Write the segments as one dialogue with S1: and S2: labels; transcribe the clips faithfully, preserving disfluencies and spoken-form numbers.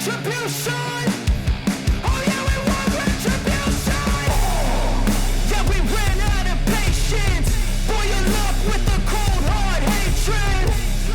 S1: retribution. Oh yeah, we want retribution. Yeah, we ran out of patience. Boil your luck with the cold hard hatred.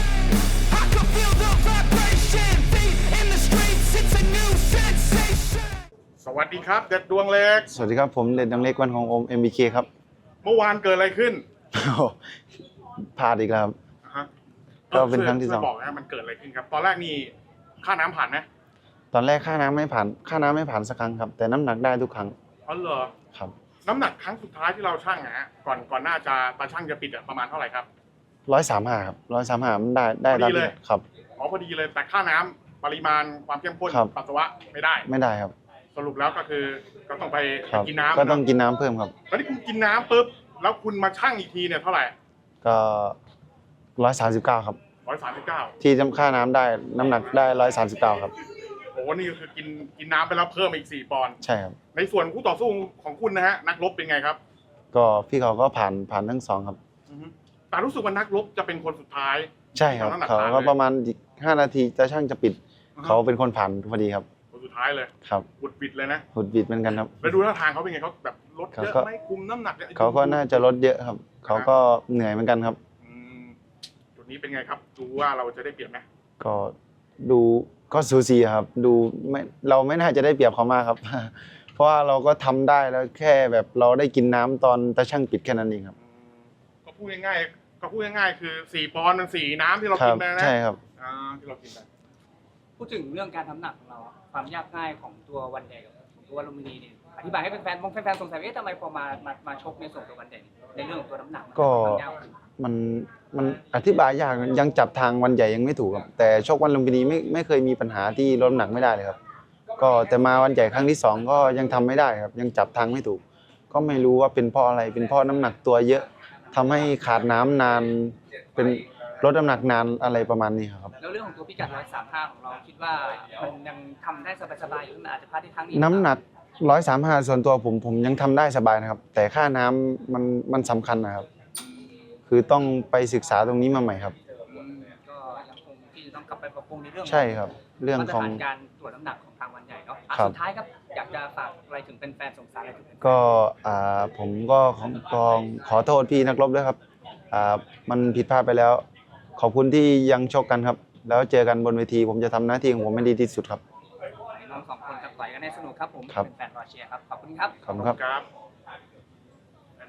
S1: I can feel the vibration. Feet in the streets, it's a new sensation.
S2: สวัสดีครับเด็ดดวงเล็ก
S3: สวัสดีครับผมเด็ดดังเล็กวันของโอม เอ็ม บี เค ครับ
S2: เมื่อวานเกิดอะไรขึ้น
S3: พลาดอีกแล้วครับ
S2: อ่าฮะ
S3: ก็เป็นครั้งที่สอง
S2: ช่วยบอกนะมันเกิดอะไรขึ้นครับ ตอนแรกนี่ค่าน้ำผ่านไหม
S3: ตอนแรกค่าน้ำไม่ผ่านค่าน้ำไม่ผ่านสักครั้งครับแต่น้ำหนักได้ทุกครั้ง
S2: อ๋อเหรอ
S3: ครับ
S2: น้ำหนักครั้งสุดท้ายที่เราชั่งนะฮะก่อนก่อนหน้าจะตาชั่งจะปิดอะประมาณเท่าไหร่ครับ
S3: ร้อยสามห้าครับร้อยสามห้ามันได้ได้
S2: พอดี
S3: ตาม
S2: เลย
S3: ครับ
S2: อ๋อพอดีเลยแต่ค่าน้ำปริมาณความเข้มข้น
S3: ครับ
S2: ปัสสาวะไม่ได้
S3: ไม่ได้ครับ
S2: สรุปแล้วก็คือก็ต้องไป
S3: ครับ
S2: กินน้ำ
S3: ก็ต้อง
S2: นะ
S3: กินน้ำเพิ่มครับ
S2: แล้วที่คุณกินน้ำปุ๊บแล้วคุณมาชั่งอีกทีเนี่ยเท่าไหร่
S3: ก็ร้อยสามสิบเก้าครับ
S2: ร้อยสามสิบเก้า
S3: ที่จำค่าน้ำได้น้ำหนักได้ร้อยสามสิบเก้าครับ
S2: โอ้นี่ก็คือกินกินน้ำไปแล้วเพิ่มอีกสี่ปอนด์
S3: ใช่ครับ
S2: ในส่วนคู่ต่อสู้ของคุณนะฮะนักรบเป็นไงครับ
S3: ก็พี่เขาก็ผ่านผ่านทั้งสองครับ
S2: อือฮึแต่รู้สึกว่านักรบจะเป็นคนสุดท้าย
S3: ใช่ครับ
S2: ที่น้ำหนัก
S3: เขา
S2: ผ่าน
S3: ก็
S2: เลย
S3: ประมาณอีกห้านาทีจะช่างจะปิด
S2: อือฮึ
S3: เขาเป็นคนผ่านพอดีครับ
S2: คนสุดท้ายเลย
S3: ครับ
S2: บุดบิดเลยนะ
S3: หุดบิดเหมือนกันครับ
S2: แล้วดูท่าทางเขาเป็นไงเขาแบบลดเยอะ
S3: เขาก็
S2: ไหมคุมน้ำหนักนี่ย
S3: เขาก็น่าจะลดเยอะครับ เขาก็เหนื่อยเหมือนกันครับ
S2: อืมจุดนี้เป็นไงครับดูว่าเราจะได้เปรียบไหม
S3: ก็ดูก็สูสีครับ ดูไม่เราไม่น่าจะได้เปรียบเขามากครับ เพราะว่าเราก็ทำได้แล้วแค่แบบเราได้กินน้ำตอนตาช่างปิดแค่นั้นเองครับ
S2: อืมก็พูดง่ายๆก็พูดง่ายๆคือสี่ปอนด์มันสี่น้ำที่เรา
S3: ครั
S2: กินไปนะ
S3: ใช่ครับ
S2: อ่าที่เรากินไป
S4: พูดถึงเรื่องการทำหนักของเราอะความยากง่ายของตัววันใหญ่กับตัววันลุมพินีเนี่ยอธิบายให้แฟนๆบางแฟนๆสงสัยว่าเอ๊ะทำไมพอมามามาชกในส่วนตัววันใหญ่ในเรื่องของตัวน้ำหนัก
S3: ก็
S4: ความยากขึ้น
S3: มันมันอธิบายยากยังจับทางวันใหญ่ยังไม่ถูกครับ แต่ชกวันลุมพินีไม่ไม่เคยมีปัญหาที่ลดน้ำหนักไม่ได้เลยครับ ก็แต่มาวันใหญ่ครั้งที่สองก็ยังทำไม่ได้ครับ ยังจับทางไม่ถูก ก็ไม่รู้ว่าเป็นเพราะอะไรเป็นเพราะน้ำหนักตัวเยอะทำให้ขาดน้ำนานเป็นลดน้ำหนักนานอะไรประมาณนี้ครับ
S4: แล้วเรื่องของตัวพิกัดร้อยสามห้าของเราคิดว่ามันยังทำได้สบายๆอยู่หรือมันอาจจะพลาดที่ครั้งนี้
S3: น้ำหนักร้อยสามห้าส่วนตัวผมผมยังทำได้สบายนะครับ แต่ค่าน้ำมันมันสำคัญนะครับ คือต้องไปศึกษาตรงนี้มาใหม่ครับ
S4: อืมก็ยังคงที่จะต้องกลับไปปรับปรุงในเรื่อง
S3: ใช่ครับ เรื่อง
S4: มาตร
S3: ของ
S4: ฐานการตรวจน้ำหนักของทางวันใหญ่เนาะอ่ะ
S3: ครับ
S4: สุดท้ายครับอยากจะฝากอะไรถึงแฟนๆสงสารอะไรถึงแฟนๆ
S3: ก็อ่าผมก็ขอขอขอโทษพี่นักรบด้วยครับอ่ามันผิดพลาดไปแล้ว ขอบคุณที่ยังชกกันครับ แล้วเจอกันบนเวที ผมจะทำหน้าที่ของผมให้ดีที่สุดครับ
S4: น้องสองคนกับต่อยกันให้สนุกครับผม
S3: ครับ
S4: เป็นแฟนรอเชียร์ครับขอบคุณครับ
S3: ขอบคุณครับ
S2: ครับ